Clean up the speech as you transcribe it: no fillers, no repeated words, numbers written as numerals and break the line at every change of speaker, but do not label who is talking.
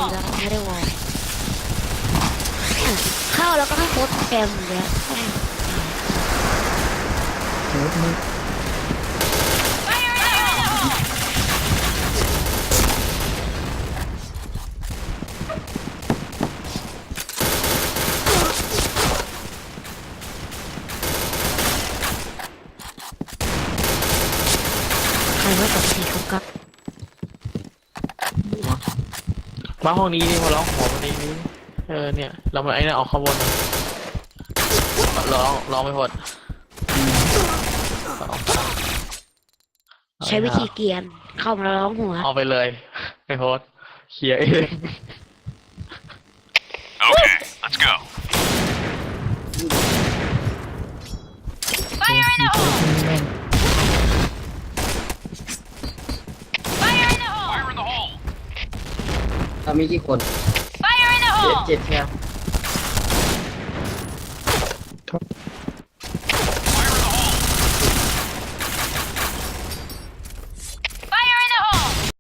แล้วไม่ได้วอลเข้าแล้วก็ให้โค้ดแกมอย่างเงี้ย
โอ้มึง
ใครว่ากับสีเขากับ
มาห้องนี้นี่มาร้องหอวันนี้นี่เนี่ยเรามาไอ้นั่นออกข้างบนร้องไม่หมด
ใช้วิธีเกรียนเข้ามาร้องหัว
เอาไปเลยไม่โพสเคลียร์เอง
Okay, let's go.
แม่ง
Fire in the hole.
เรามีกี่คน
Fire in the
เจ็ดใช่ไหม